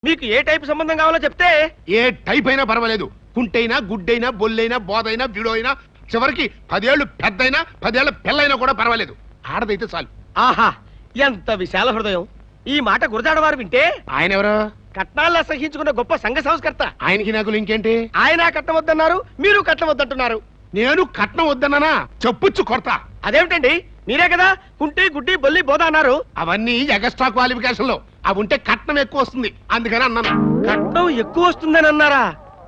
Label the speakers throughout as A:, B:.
A: మీకు ఏ టైప్ సంబంధం కావాలో చెప్తే.
B: ఏ టైప్ అయినా పర్వాలేదు. కుంటైనా, గుడ్డైనా, బొల్లైనా, బోధైనా, బిడోయినా, చివరికి 10 ఏళ్ళు పెద్దయినా 10 ఏళ్ల పిల్లైనా కూడా పర్వాలేదు. ఆడదైతే చాలు.
A: ఆహా, ఎంత విశాల హృదయం. ఈ మాట గురజాడవారు వింటే.
B: ఆయన ఎవరు?
A: కట్నాల్లో సహించుకున్న గొప్ప సంఘ సంస్కర్త.
B: ఆయనకి నాకు ఇంకేంటి?
A: ఆయన కట్నం వద్దన్నారు, మీరు కట్నం వద్దంటున్నారు.
B: నేను కట్నం వద్దన్నానా? చెప్పుచ్చు కొడతా.
A: అదేమిటండి, మీరే కదా కుంటి గుడ్డి బొల్లి బోధ అన్నారు.
B: అవన్నీ ఎగస్ట్రా క్వాలిఫికేషన్ లో. అవి ఉంటే కట్నం ఎక్కువ వస్తుంది, అందుకని అన్నాను.
A: కట్నం ఎక్కువ వస్తుందని అన్నారా?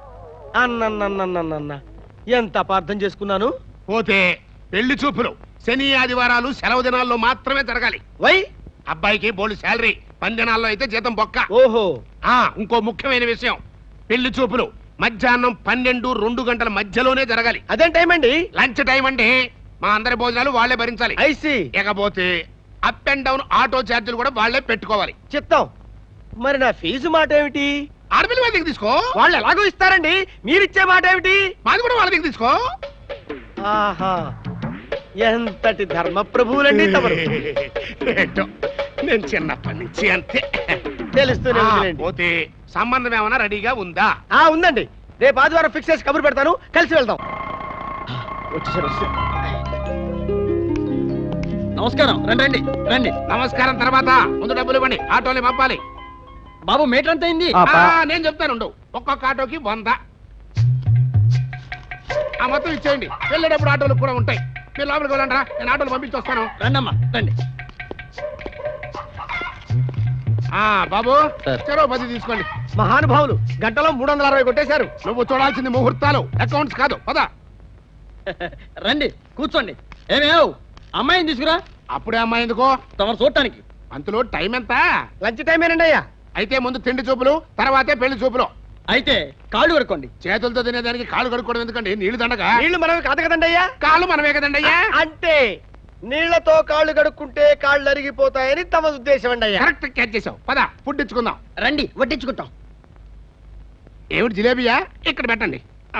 A: అన్న ఎంత అపార్థం చేసుకున్నాను.
B: పోతే పెళ్లి చూపులు శని ఆదివారాలు సెలవు దినాల్లో మాత్రమే జరగాలి.
A: వై?
B: అబ్బాయికి బోల్డ్ శాలరీ, 10 దినాల్లో అయితే జీతం బొక్క.
A: ఓహో.
B: ఇంకో ముఖ్యమైన విషయం, పెళ్లి చూపులు మధ్యాహ్నం 12-2 గంటల మధ్యలోనే జరగాలి.
A: అదేం టైం అండి?
B: లంచ్ టైం అంటే మా అందరి భోజనాలు వాళ్లే భరించాలి.
A: ఐసి.
B: ఇకపోతే అప్ అండ్ డౌన్ ఆటో ఛార్జీలు కూడా వాళ్లే పెట్టుకోవాలి.
A: చిత్తం. మరి నా ఫీజు మాట ఏమిటి?
B: ఆడపిల్ల వాళ్ళ దగ్గర తీసుకో.
A: వాళ్ళు ఎలాగో ఇస్తారండి, మీరిచ్చే మాట ఏమిటి?
B: మాది కూడా వాళ్ళ దగ్గర తీసుకో.
A: ఆహా, ఎంతటి ధర్మ ప్రభువులండి తమరు.
B: నేను చిన్నప్పటి నుంచి అంతే.
A: తెలుస్తూనే.
B: పోతే సంబంధం ఏమైనా రెడీగా ఉందా?
A: ఉందండి. రేపు ఆదివారం ఫిక్స్ చేసి కబురు పెడతాను, కలిసి వెళ్దాం. వచ్చేసారు.
C: నమస్కారం. రండి రండి.
B: నమస్కారం తర్వాత ముందు డబ్బులు ఇవ్వండి, ఆటోని పంపాలి.
C: బాబు మీటర్ ఎంత అయింది?
B: నేను చెప్తాను, ఒక్కొక్క ఆటోకి 100. ఆ మొత్తం ఇచ్చేయండి. వెళ్ళేటప్పుడు ఆటోలు కూడా ఉంటాయి. మీరు లోపలికి వెళ్ళండి రా, నేను ఆటోలు పంపించి వస్తాను.
C: రండమ్మా రండి.
B: బాబు చెరో 10 తీసుకోండి.
A: మహానుభావులు గంటలో 360 కొట్టేశారు.
B: నువ్వు చూడాల్సింది ముహూర్తాలు, అకౌంట్స్ కాదు. పద
C: రండి కూర్చోండి. ఏమేవ్ అమ్మాయిని తీసుకురా.
B: అప్పుడే అమ్మాయి ఎందుకో?
C: తమరు చూడటానికి.
B: అంతలో టైం ఎంత?
A: లంచ్ టైమేనండి అయ్యా.
B: అయితే ముందు తిండి చూపులు, తర్వాతే పెళ్లి చూపులు.
C: అయితే కాళ్ళు కడుక్కోండి.
B: చేతులతో తినేదానికి కాళ్ళు కడుక్కోవడం ఎందుకండి? నీళ్లు దండగా.
A: నీళ్లు మనమే కాదు కదండి అయ్యా.
B: కాళ్ళు మనమే కదండి అయ్యా.
A: అంటే నీళ్లతో కాళ్ళు కడుక్కుంటే కాళ్ళు అరిగిపోతాయని తమ ఉద్దేశం అండి అయ్యా.
B: కరెక్ట్ క్యాచ్ చేసావు. పద ఫుడ్ ఇచ్చుకుందాం.
C: రండి వడ్డించుకుంటాం.
B: ఏమిటి జిలేబియా? ఇక్కడ పెట్టండి.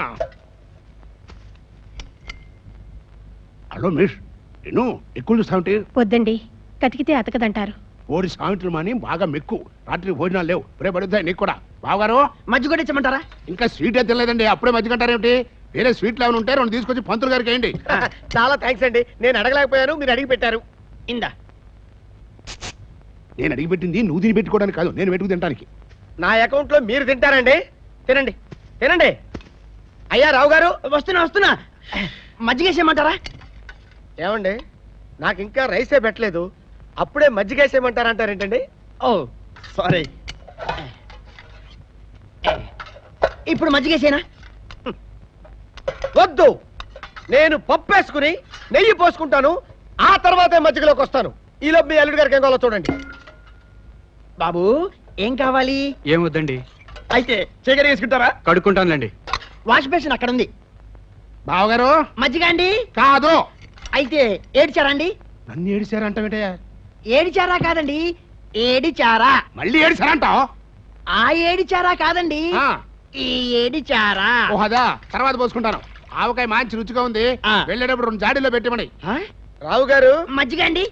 B: హలో మిస్, నేను ఎక్కువ చూస్తామంటే.
D: వద్దండి, కతికితే అతకదంటారు.
B: ఓడి సాయంత్రం మాని బాగా మెక్కు. రాత్రి భోజనాలు లేవు, రేపు పడుతాయి నీకు కూడా. బావగారు
C: మజ్జిగ కూడా ఇచ్చమంటారా?
B: ఇంకా స్వీట్ అయితే తినలేదండి, అప్పుడే మజ్జిగ అంటారేమిటి? వేరే స్వీట్లు ఏమైనా ఉంటే 2 తీసుకొచ్చి పంతులు గారికి వేయండి.
A: చాలా థ్యాంక్స్ అండి, నేను అడగలేకపోయాను, మీరు అడిగి పెట్టారు.
C: ఇందా.
B: నేను అడిగి పెట్టింది నువ్వు తిని పెట్టుకోవడానికి కాదు, నేను పెట్టుకు తినడానికి.
A: నా అకౌంట్ లో మీరు తింటారండి. తినండి తినండి. అయ్యా రావు గారు,
C: వస్తున్నా. మజ్జిగ వేసేయమంటారా?
A: ఏమండి, నాకు ఇంకా రైసే పెట్టలేదు, అప్పుడే మజ్జిగేసేయమంటారంటారేంటండి?
C: ఓ సారీ. ఇప్పుడు మజ్జిగేసేనా?
A: వద్దు, నేను పప్పేసుకుని నెయ్యి పోసుకుంటాను, ఆ తర్వాతే మజ్జిగలోకి వస్తాను. ఈలోపు మీ అల్లుడి గారికి ఏం కావాలో చూడండి.
C: బాబు ఏం కావాలి?
E: ఏమొద్దండి.
C: అయితే చీకటి వేసుకుంటారా?
E: కడుక్కుంటానులేండి.
C: వాష్ బేసిన్ అక్కడ ఉంది.
B: బావగారు
C: మజ్జిగ అండి?
B: కాదు.
C: అయితే ఏడిచారా అండి?
B: నన్ను ఏడిచారంటావేటయ్యా?
C: ఏడిచారా కాదండి, ఏడిచారా.
B: మళ్ళీ ఏడిచారంటావు?
C: ఆ ఏడిచారా కాదండి, ఈ ఏడిచారా.
B: ఓహదా, తర్వాత పోసుకుంటాను. ఆవకాయ మంచి రుచిగా ఉంది, వెళ్ళేటప్పుడు 2 జాడీలో పెట్టమని.
A: రావు గారు
C: మజ్జిగ అండి?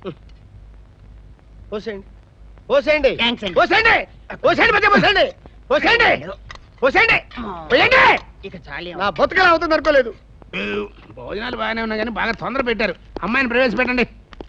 A: పోసేయండి పోసేయండి
C: థాంక్స్ అండి.
A: పోసేయండి పోసేయండి మధ్య పోసేయండి పోసేయండి పోసేయండి పోయండి.
C: ఇక చాలే.
A: నా బతుకలా అవుతుంది అనుకోలేదు.
B: భోజనాలు బాగానే ఉన్నాయి కానీ బాగా తొందర పెట్టారు. అమ్మాయిని ప్రవేశపెట్టండి.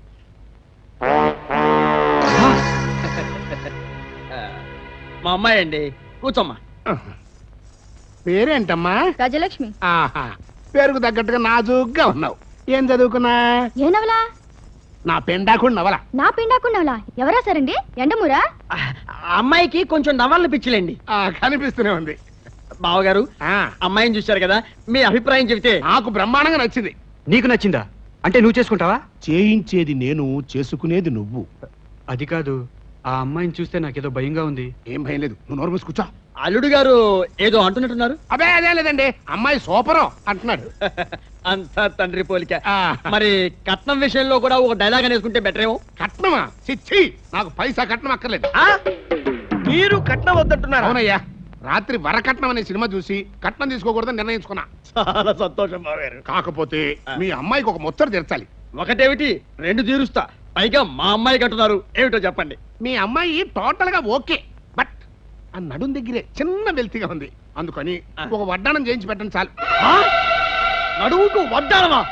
C: మా అమ్మాయి అండి, కూర్చోమ్మా.
B: పేరేంటమ్మా?
D: గజలక్ష్మి.
B: ఆహా, పేరుకు తగ్గట్టుగా నాజూగ్గా ఉన్నావు. ఏం చదువుకున్నా?
D: ఏ నవలా?
B: నా పెండాకుడు నవల.
D: నా పిండాకు నవలా? ఎవరా సరండి? ఎండమూరా?
C: అమ్మాయికి కొంచెం నవల పిచ్చిలేండి.
B: కనిపిస్తూనే ఉంది.
C: బావగారు అమ్మాయిని చూశారు కదా, మీ అభిప్రాయం చెబితే.
B: నాకు బ్రహ్మాండంగా నచ్చింది.
E: నీకు నచ్చిందా? అంటే నువ్వు చేసుకుంటావా?
B: చేయించేది నేను, చేసుకునేది నువ్వు.
E: అది కాదు, ఆ అమ్మాయిని చూస్తే నాకేదో భయంగా ఉంది.
B: ఏం భయం లేదు, నువ్వు నోరు మూసి కూర్చో.
C: అల్లుడు గారు ఏదో అంటున్నట్టున్నారు.
B: అదే అదే లేదండి, అమ్మాయి సూపరు అంటున్నాడు.
C: అంతా తండ్రి పోలిక. మరి కట్నం విషయంలో కూడా ఒక డైలాగ్ అనేసుకుంటే బెటర్ ఏమో.
B: కట్నమా? చిచ్చి, నాకు పైసా కట్నం అక్కర్లేదు.
A: మీరు కట్నం వద్దంటున్నారు?
B: అవునయ్యా, రాత్రి వరకట్నం అనే సినిమా చూసి కట్నం తీసుకోకూడదని నిర్ణయించుకున్నా.
C: చాలా సంతోషం బావగారు.
B: కాకపోతే మీ అమ్మాయికి ఒక ముచ్చట తీర్చాలి.
C: ఒకటేమిటి, 2 తీరుస్తా. పైగా మా అమ్మాయి కట్టున్నారు, ఏమిటో చెప్పండి.
B: మీ అమ్మాయి టోటల్ గా ఓకే, బట్ ఆ నడుం దగ్గరే చిన్న వెల్తిగా ఉంది, అందుకని ఒక వడ్డానం చేయించి పెట్టండి చాలు.
C: ఆ? నడువుకు వడ్డానమా?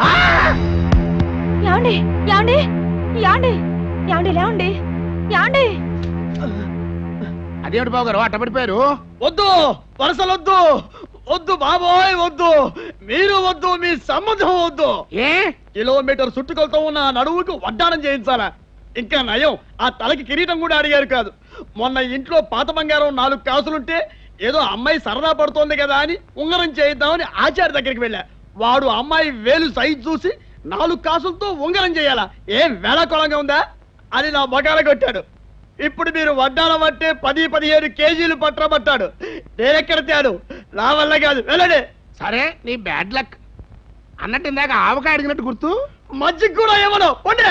D: యాండి యాండి యాండి యాండి లేవండి యాండి.
B: అదేమిటి బాబు గారు అట్ట పడిపోయారు?
C: వద్దు, వరసలొద్దు, వద్దు బాబోయ్ వద్దు, మీరు వద్దు, మీ సంబంధం వద్దు.
B: ఏ
C: కిలోమీటర్ చుట్టుకొలతో ఉన్న ఆ నడువుకు వడ్డానం చేయించాలా? ఇంకా నయం, ఆ తలకి కిరీటం కూడా అడిగారు కాదు. మొన్న ఇంట్లో పాత బంగారం 4 కాసులుంటే ఏదో అమ్మాయి సరదా పడుతోంది కదా అని ఉంగరం చేయిద్దామని ఆచార్య దగ్గరికి వెళ్ళా. వాడు అమ్మాయి వేలు సైజు చూసి 4 కాసులతో ఉంగరం చేయాలా, ఏం వేళాకోళంగా ఉందా అని నా బకాల కొట్టాడు. ఇప్పుడు మీరు వడ్డానం అంటే 10-15 కేజీలు పట్టబట్టాడు. నేనెక్కడ తేడు, నా వల్ల కాదు, వెళ్ళండి.
B: సరే నీ బ్యాడ్ లక్ అన్నట్టు ఇందాక ఆవకాయ అడిగినట్టు గుర్తు.
C: మజ్జిగ కూడా ఏమను ఉండే.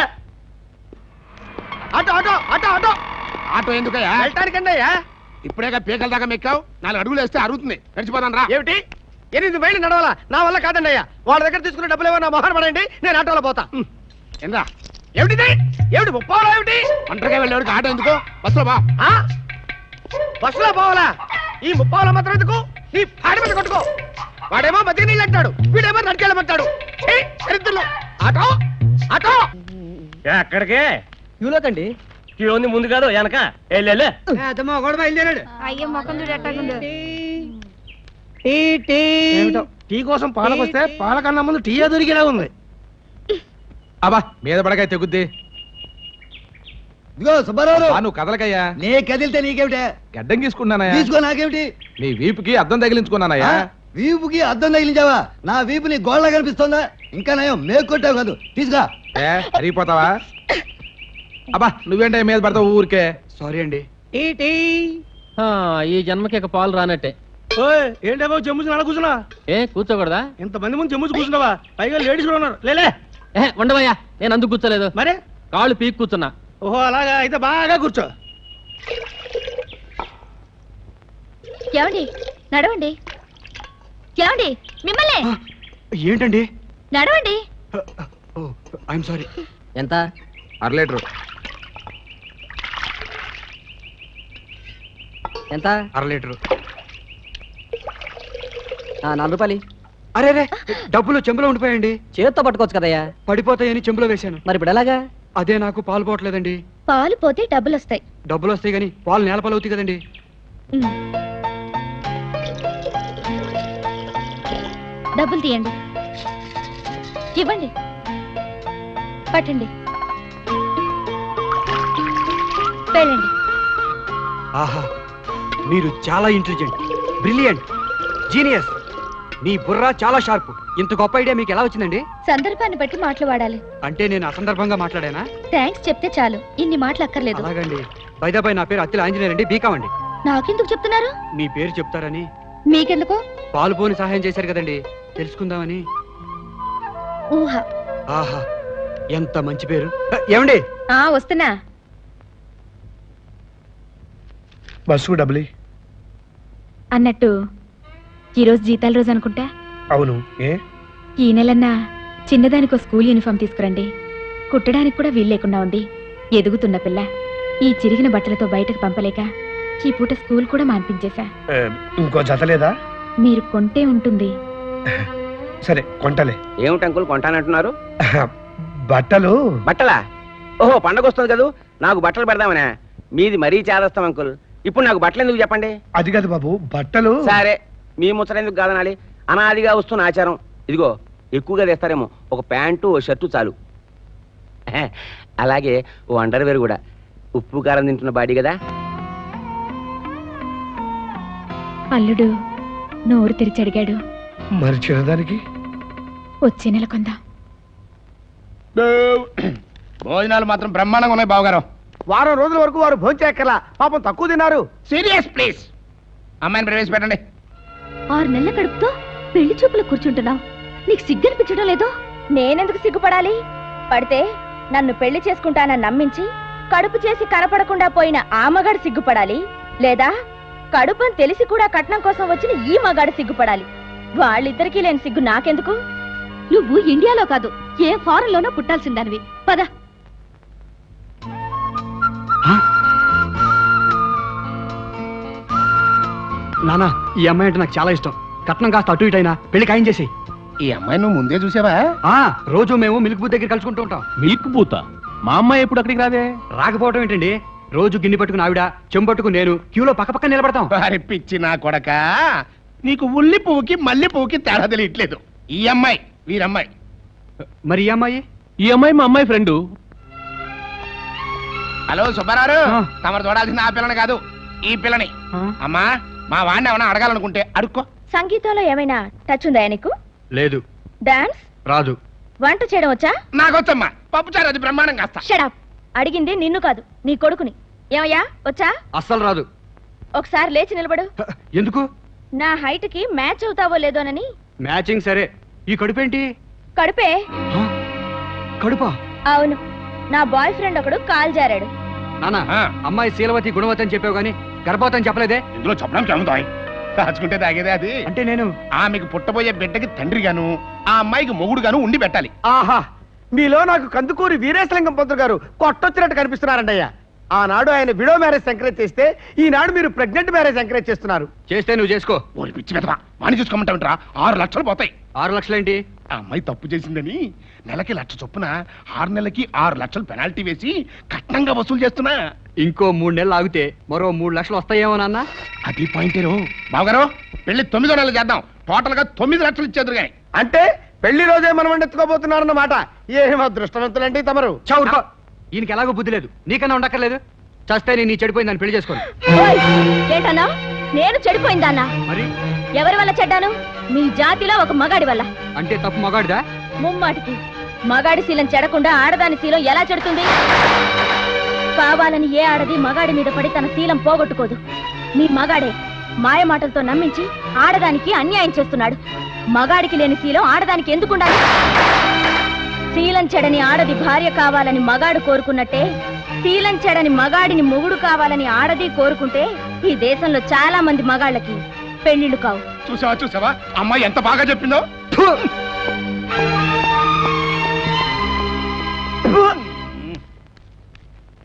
A: Auto auto auto auto
B: auto ఎందుకయ్యా?
A: వెళ్ళటానికండి అయ్యా.
B: ఇప్పుడేగా పీకల దాకా మెక్కావు, 4 అడుగులు వేస్తే అరుగుతుంది, నడిచిపోతాను రా.
A: ఏమిటి 8 మైళ్ళు నడవాలా? నా వల్ల కాదండి అయ్యా. వాళ్ళ దగ్గర తీసుకున్న డబ్బులు ఏమో నా మొహన పడండి, నేను ఆటోలో పోతా.
B: ఏంద్రా
A: ఏమిటిది? ఏమిటి ముప్పాలో ఏమిటి?
B: ఒంటరిగా వెళ్ళేవాడికి ఆటో ఎందుకో, బస్సులో బా.
A: ఆ? బస్సులో పోవాలా? ఈ ముప్పావుల మాత్రం ఎందుకు? నీ పాడి మీద కొట్టుకో. వాడేమో మధ్య నీళ్ళు అంటాడు, వీడేమో నడికెళ్ళమంటాడు. దరిద్రులు. Auto auto.
F: ఎక్కడికే?
C: క్యూలోకండి.
F: క్యూ ఉంది ముందు కాదు వెనక. వెళ్ళే
A: గొడవ బయలుదేరాడు.
D: అయ్యో మొఖం చూడు ఎట్టాగుందో.
A: ఏమిటో, టీ కోసం పాలకొస్తే పాలకన్నా ముందు టీ దొరికేలా ఉంది.
G: అబ్బా మీద పడకాయ తెగుద్ది.
H: ఇదిగో సుబ్బారావు,
G: నువ్వు కదలకయ్యా.
H: నే కదిలితే నీకేమిటే?
G: గడ్డం గీసుకున్నానయ్యా.
H: తీసుకో, నాకేమిటి?
G: నీ వీపుకి అద్దం తగిలించుకున్నానయ్యా.
H: వీపుకి అద్దం తగిలించావా? నా వీపు నీ గోళ్ళ కనిపిస్తుందా? ఇంకా నయం మేకు కొట్టావు కాదు, తీసుకురా.
G: అరిగిపోతావా? అబ్బా నువ్వేంటే మీద పడతావు ఊరికే.
E: సారీ అండి.
F: ఈ జన్మకి ఇక పాలు రానట్టే.
A: ఏంటో చెమ్ముసి నడ కూర్చున్నా.
F: ఏ కూర్చోకూడదా?
A: ఇంతమంది ముందు చెమ్ముసి కూర్చున్నావా? పైగా లేడీస్ కూడా ఉన్నారు. లేలే
F: ఉండవయ్యా, నేను అందుకు కూర్చోలేదు,
A: మరే.
F: కాళ్ళు పీక్ కూర్చున్నా.
A: ఓహో అలాగా, అయితే బాగా కూర్చో.
D: ఏమండి నడవండి. ఏమండి మిమ్మల్ని
E: ఏంటండి?
D: నడవండి.
E: I'm sorry.
F: ఎంత?
G: 1/2 లీటరు.
F: ఎంత?
E: 1/2 లీటరు.
F: 4 రూపాయలు.
E: అరే రే, డబ్బులు చెంబులో ఉండిపోయండి.
F: చేత్తో పట్టుకోవచ్చు కదయ్యా.
E: పడిపోతాయని చెంబులో వేశాను.
F: మరి ఇప్పుడు ఎలాగా?
E: అదే నాకు పాలు పోవట్లేదండి.
D: పాలు పోతే డబ్బులు వస్తాయి.
E: డబ్బులు వస్తాయి కానీ పాలు నేల పాలు అవుతాయి కదండి.
D: ఉమ్. డబ్బులు తీయండి, ఇవ్వండి, పట్టండి, వెళ్ళండి.
E: ఆహా, మీరు చాలా ఇంటెలిజెంట్, బ్రిలియంట్, జీనియస్. మీ బుర్ర చాలా షార్ప్. ఇంత గొప్ప ఐడియా మీకు ఎలా వచ్చిందండి?
D: సందర్భాన్ని బట్టి మాటలు వాడాలి.
E: అంటే నేను అసందర్భంగా మాట్లాడానా?
D: థ్యాంక్స్ చెప్తే చాలు, ఇన్ని మాటలు అక్కర్లేదు.
E: అలాగండి. బైదాపై నా పేరు అత్తిల ఆంజనేయర్ అండి, బీకాం అండి.
D: నాకెందుకు చెప్తున్నారు?
E: మీ పేరు చెప్తారని.
D: మీకెందుకు?
E: పాలు పోని సహాయం చేశారు కదండి, తెలుసుకుందామని.
D: ఊహ.
E: ఆహా, ఎంత మంచి పేరు. ఏమండి?
D: వస్తున్నా.
A: బస్సు డబ్బులు
D: అన్నట్టు ఈరోజు జీతాల రోజు అనుకుంటా.
A: అవును. ఏ
D: ఈ నెలన్నా చిన్నదానికో స్కూల్ యూనిఫామ్ తీసుకురండి. కుట్టడానికి కూడా వీలు లేకుండా ఉంది. ఎదుగుతున్న పిల్ల ఈ చిరిగిన బట్టలతో బయటకు పంపలేక ఈ పూట స్కూల్ కూడా మాన్పించేశా.
A: ఇంకో జత లేదా?
D: మీరు కొంటే ఉంటుంది.
A: సరే కొంటలే.
F: ఏమిటి అంకుల్ కొంటానంటున్నారు?
A: బట్టలు.
F: బట్టలా? ఓహో, పండగ వస్తుంది కదా, నాకు బట్టలు పెడదామనే. మీది మరీ చేదస్తాం అంకుల్. ఇప్పుడు నాకు బట్టలు ఎందుకు చెప్పండి?
A: అది కాదు బాబు, బట్టలు.
F: సరే, మీ ముచ్చట ఎందుకు కాదనాలి? అనాదిగా వస్తున్న ఆచారం. ఇదిగో ఎక్కువగా తెస్తారేమో, ఒక ప్యాంటు ఓ షర్టు చాలు. అలాగే ఓ అండర్వేర్ కూడా. ఉప్పు కారం తింటున్న బాడీ కదా.
D: అల్లుడు నోరు తెరిచి అడిగాడు.
A: మరి చిన్నదానికి
D: వచ్చే నెల కొందాం.
B: భోజనాలు మాత్రం బ్రహ్మాండంగా ఉన్నాయి బావగారు.
A: వారం రోజుల వరకు వారు భోంచేక్కర్లా, పాపం తక్కువ తిన్నారు.
B: Serious please. అమ్మాయిని ప్రవేశపెట్టండి.
D: 6 నెలల కడుపుతో పెళ్లి చూపులు కూర్చుంటున్నావు. నీకు సిగ్గనిపించడం లేదు? నేనెందుకు సిగ్గుపడాలి? పడితే నన్ను పెళ్లి చేసుకుంటానని నమ్మించి కడుపు చేసి కనపడకుండా పోయిన ఆ మగాడు సిగ్గుపడాలి, లేదా కడుపని తెలిసి కూడా కట్నం కోసం వచ్చిన ఈ మగాడు సిగ్గుపడాలి. వాళ్ళిద్దరికీ లేని సిగ్గు నాకెందుకు? నువ్వు ఇండియాలో కాదు, ఏ ఫారెన్ లోనో పుట్టాల్సిందానివి. పద.
E: నానా ఈ అమ్మాయి అంటే నాకు చాలా ఇష్టం. కట్నం కాస్త అటు ఇటు అయినా పెళ్లి ఖాయం చేసి.
B: ఈ అమ్మాయి నువ్వు ముందే చూసావా?
E: రోజు మేము మిల్క్ బూత్ దగ్గర కలుసుకుంటూ ఉంటాం.
I: మిల్క్ పూత మా అమ్మాయి ఎప్పుడు అక్కడికి రాదే?
E: రాకపోవటం ఏంటండి, రోజు గిన్నె పట్టుకుని ఆవిడ, చెంబు పట్టుకుని నేను క్యూలో పక్క నిలబడతాం.
B: వారి పిచ్చి నా కొడక, నీకు ఉల్లి పువ్వుకి మల్లి పువ్వుకి తేడా తెలియట్లేదు. ఈ అమ్మాయి వీరమ్మాయి.
E: మరి ఈ అమ్మాయి?
I: ఈ అమ్మాయి మా అమ్మాయి ఫ్రెండ్.
B: హలో సుబ్బారావు,
E: ఆ.
B: తమరు చూడాల్సింది ఆ పిల్లని కాదు, ఈ పిల్లని. అమ్మా, మా వాడిని ఏమైనా అడగాలనుకుంటే అడుక్కో.
D: సంగీతంలో ఏమైనా టచ్ ఉందా నీకు?
E: లేదు.
D: డాన్స్
E: రాదు.
D: వంట చేయడం వచ్చా?
B: నాకొచ్చమ్మా, పప్పుచారు అది బ్రహ్మాండం కాస్తా.
D: షడప్. అడిగింది నిన్ను కాదు, నీ కొడుకుని. ఏమయ్యా వచ్చా?
E: అస్సలు రాదు.
D: ఒకసారి లేచి నిలబడు.
E: ఎందుకు?
D: నా హైట్ కి మ్యాచ్ అవుతావో లేదోనని.
E: మ్యాచింగ్ సరే, ఈ కడుపేంటి?
D: కడుపే.
E: కడుపా?
D: అవును, నా బాయ్ ఫ్రెండ్ ఒకడు కాల్ జారాడు.
E: నానా,
B: ఆ.
E: అమ్మాయి శీలవతి గుణవతి అని చెప్పావు గానీ గర్భవతి అని చెప్పలేదే.
B: ఇందులో చెప్పడానికి ఏముంది? దాచుకుంటే తాగేదే అది.
E: అంటే నేను
B: ఆమెకు పుట్టబోయే బిడ్డకి తండ్రిగాను, ఆ అమ్మాయికి మొగుడుగాను ఉండి పెట్టాలి.
A: ఆహా, మీలో నాకు కందుకూరి వీరేశలింగం పంతులు గారు కొట్టొచ్చినట్టు కనిపిస్తున్నారంటయ్యా. ఆనాడు ఆయన విడో మ్యారేజ్ ఎంకరేజ్ చేస్తే, ఈనాడు మీరు ప్రెగ్నెంట్ మ్యారేజ్ ఎంకరేజ్ చేస్తున్నారు.
E: చేస్తే నువ్వు చేసుకో.
B: ఓరి పిచ్చి పెదవా, వాణి చూసుకోమంటావుంటరా? 6 లక్షలు పోతాయి.
E: 6 లక్షలేంటి?
B: ఆ అమ్మాయి తప్పు చేసిందని నెలకి 1,00,000 చొప్పున 6 నెలలకి 6 లక్షలు పెనాల్టీ వేసి కట్నంగా వసూలు చేస్తున్నా.
E: ఇంకో 3 నెలలు ఆగితే మరో 3 లక్షలు వస్తాయేమో నాన్న.
B: అది పాయింటేరో. బావగారు, పెళ్లి 9వ నెలలు చేద్దాం. టోటల్ గా 9 లక్షలు ఇచ్చేద్దరు కానీ.
A: అంటే పెళ్లి రోజే మనం ఎత్తుకోబోతున్నారన్నమాట. ఏం అదృష్టవంతులండి తమరు.
E: చౌరుకో. ఈయనకి ఎలాగో బుద్ధి లేదు, నీకన్నా ఉండక్కర్లేదు. చస్తే నేను నీ చెడిపోయిందని పెళ్లి చేసుకోను.
D: ఓయ్, ఏంటన్నా? నేను చెడిపోయిందన్నా?
E: మరి
D: ఎవరి వల్ల చెడ్డాను? మీ జాతిలో ఒక మగాడి వల్ల.
E: అంటే తప్పు మగాడిదా?
D: ముమ్మాటికి మగాడి శీలం చెడకుండా ఆడదాని శీలం ఎలా చెడుతుంది? కావాలని ఏ ఆడది మగాడి మీద పడి తన శీలం పోగొట్టుకోదు. మీ మగాడే మాయ మాటలతో నమ్మించి ఆడదానికి అన్యాయం చేస్తున్నాడు. మగాడికి లేని శీలం ఆడదానికి ఎందుకుండాలి? శీలం చెడని ఆడది భార్య కావాలని మగాడు కోరుకున్నట్టే, శీలం చెడని మగాడిని మొగుడు కావాలని ఆడది కోరుకుంటే ఈ దేశంలో చాలా మంది మగాళ్ళకి పెళ్లిళ్ళు కావు.
B: చూసావా అమ్మాయి ఎంత బాగా చెప్పిందో.